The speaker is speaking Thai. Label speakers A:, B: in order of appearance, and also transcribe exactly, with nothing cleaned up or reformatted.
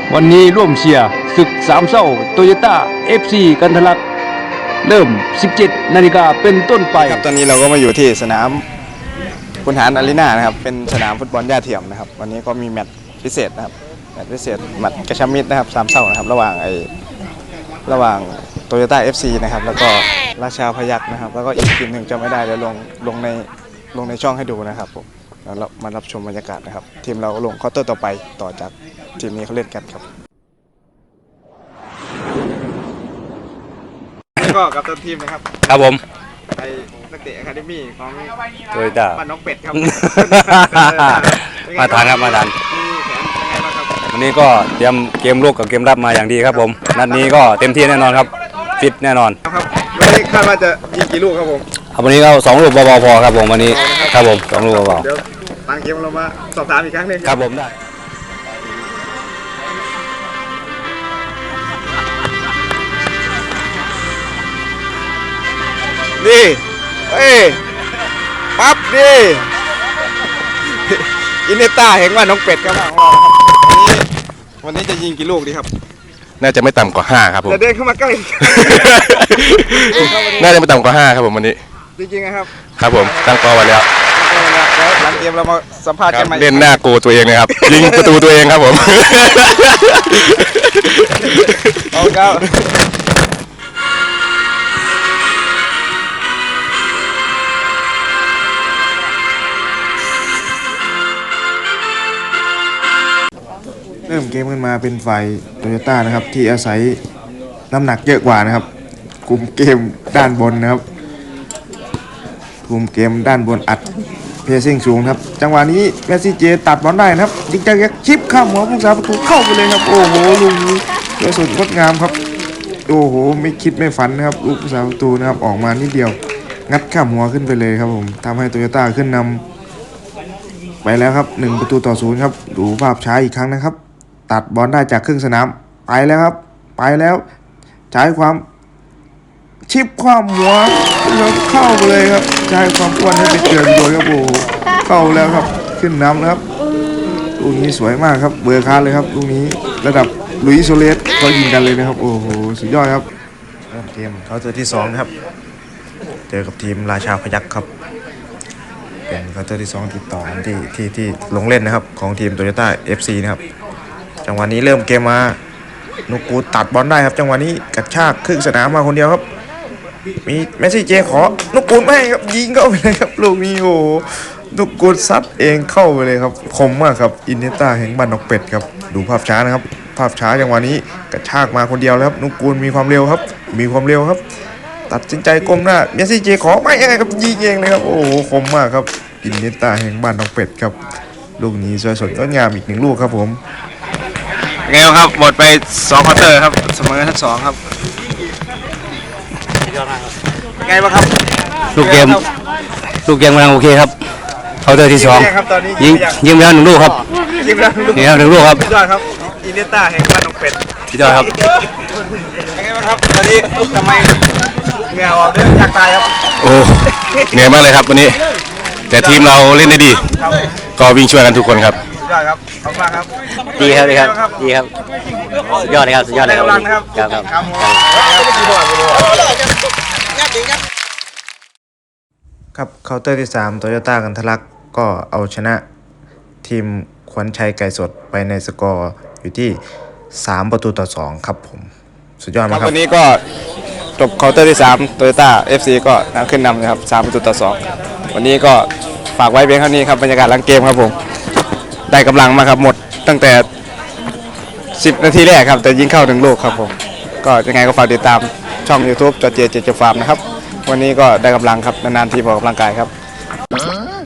A: วันนี้ร่วมเชียร์ศึกสามเศร้าโตโยต้า เอฟ ซี กันทะลักเริ่ม สิบเจ็ด นาฬิกาเป็นต้นไป
B: ครับตอนนี้เราก็มาอยู่ที่สนามคุณหารอารีนานะครับเป็นสนามฟุตบอลหญ้าเทียมนะครับวันนี้ก็มีแมตช์พิเศษนะครับแมตช์พิเศษแมตช์กระชับมิตรนะครับสามเศร้านะครับระหว่างไอ้ระหว่างโตโยต้า เอฟ ซี นะครับแล้วก็ราชาพยัคฆ์นะครับแล้วก็อีกทีมหนึ่งจำไม่ได้เดี๋ยวลงลงในลงในช่องให้ดูนะครับผมแล้วเรามารับชมบรรยากาศนะครับทีมเราลงควอเตอร์ต่อไปต่อจากทีมนี้เขาเล่นกันครับก็กับต้นทีมนะครับ
C: ครับผม
B: ไอ้นักเตะอะคาเดมี่ของ
C: โตโยต้า
B: บ้านน้องเป็ดครับ
C: มาทานครับมาทานวันนี้ก็เตรียมเกมลุกกับเกมรับมาอย่างดีครับผมนัดนี้ก็เต็มที่แน่นอนครับฟิตแน่นอน
B: ครับวันนี้คาดว่าจะยิงกี่ลูกครับผม
C: วันนี้เราสองลูกเบาๆพอครับผมวันนี้ครับผมสองลูกเบา
B: ๆเดี๋ยวหลังเกมเรามาสอบถามอีกครั้งหนึ่ง
C: ครับผมได้
B: นี่เอ้ยปั๊บนี่อินเนต้าเห็นว่าน้องเป็ดครับของเราครับวันนี้วันนี้จะยิงกี่ลูกดีครับ
D: น่าจะไม่ต่ำกว่าห้าครับผม
B: จะเดินเข้ามาใกล้
D: น่าจะไม่ต่ำกว่าห้าครับผมวันนี้
B: จริงๆนะครับ
D: ครับผมตั้งเป้าไว้แล้ว
B: แล้วหลังเกมเรามาสัมภาษณ์กันใหม่
D: เล่นหน้าโกตัวเองนะครับยิงประตูตัวเองครับผม
B: เอาครับเริ่มเกมกันมาเป็นฝ่ายโตโยต้านะครับที่อาศัยน้ำหนักเยอะกว่านะครับคุมเกมด้านบนนะครับคุมเกมด้านบนอัดเพรสซิ่งสูงครับจังหวะนี้แมสซี่เจตัดบอลได้นะครับยิงจากยักชิปข้ามหัวผู้สาประตูเข้าไปเลยครับโอ้โหลูกนี้สวยสดงดงามครับโอ้โหไม่คิดไม่ฝันนะครับลูกผู้สาประตูนะครับออกมานิดเดียวงัดข้ามหัวขึ้นไปเลยครับผมทำให้โตโยต้าขึ้นนำไปแล้วครับหนึ่งประตูต่อศูนย์ครับดูภาพช้าอีกครั้งนะครับตัดบอลได้จากครึ่งสนามไปแล้วครับไปแล้วใช้ความชิปความหัวแล้วเข้าไปเลยครับใช้ความอ้วนให้ไปเกินโดยครับโอ้เข้าแล้วครับขึ้นน้ำแล้วครับลูกนี้สวยมากครับเบอร์คาร์เลยครับลูกนี้ระดับลุยส์โซเลสเขายิงกันเลยนะครับโอ้โหสุดยอดครับเริ่มเกมเขาเจอที่สองครับเจอกับทีมราชาพยัคฆ์ครับเป็นเขาเจอที่สองติดต่อที่ที่ที่ลงเล่นนะครับของทีมโตโยต้า เอฟ ซี นะครับจังหวะนี้เริ่มเกมมานุกูตัดบอลได้ครับจังหวะนี้กระชากครึ่งสนามมาคนเดียวครับมีเมสซี่เจขอนุกูไม่ครับยิงเข้าไปเลยครับลูกนี้โอ้นุกูซัดเองเข้าไปเลยครับคมมากครับอินเนต้าแห่งบ้านนกเป็ดครับดูภาพช้านะครับภาพช้าจังหวะนี้กระชากมาคนเดียวแล้วครับนุกูมีความเร็วครับมีความเร็วครับตัดสินใจก้มหน้าเมสซี่เจขอไม่ยังไงครับยิงเองเลยครับโอ้โหคมมากครับอินเนต้าแห่งบ้านนกเป็ดครับลูกนี้สวยสดงดงามอีกหนึ่งลูกครับผม
C: ไงครับหมดไปสองควอเตอร์ครับเสมอทั้งสองครับ
B: ไงบ้างครับ
C: ลูกเกมลูกเกมกำลังโอเคครับควอเตอร์ที่สองยิงยิงไปแล้วหนึ่งลูกครับ
B: ยิงไปแล้วหนึ่งลูก
C: นี่ครับหนึ่งลูกครับ
B: สุดยอดครับอินเนต้าแห่งบ้านนกเป็ด
C: สุดยอดครับ
B: ไงบ้างครับตอนนี้ทำไมเหงื่อออกด้วยอยากตายครับ
D: โอ้เหนื่อยมากเลยครับวันนี้แต่ทีมเราเล่นได้ดีก็วิ่งช่วยกันทุกคนครับ
B: ยอดครับขอบคุณครับ
C: ดีครับดีครับดีครับสุดยอดเลยครับสุดยอดเลยครับครับครับ
B: ครับเคาน์เตอร์ที่สามโตโยต้ากันทะลักก็เอาชนะทีมขวัญชัยไก่สดไปในสกอร์อยู่ที่สามประตูต่อสองครับผมสุดยอดมากครับวันนี้ก็จบเคาน์เตอร์ที่สามโตโยต้า เอฟ ซี ก็ขึ้นนำนะครับสามประตูต่อสองวันนี้ก็ฝากไว้เพียงเท่านี้ครับบรรยากาศหลังเกมครับผมได้กำลังมาครับหมดตั้งแต่สิบนาทีแรกครับแต่ยิงเข้าหนึ่งลูกครับผมก็ยังไงก็ฝากติดตามช่อง YouTube จอเจเจเจฟาร์มนะครับวันนี้ก็ได้กำลังครับนานๆทีออกกำลังกายครับ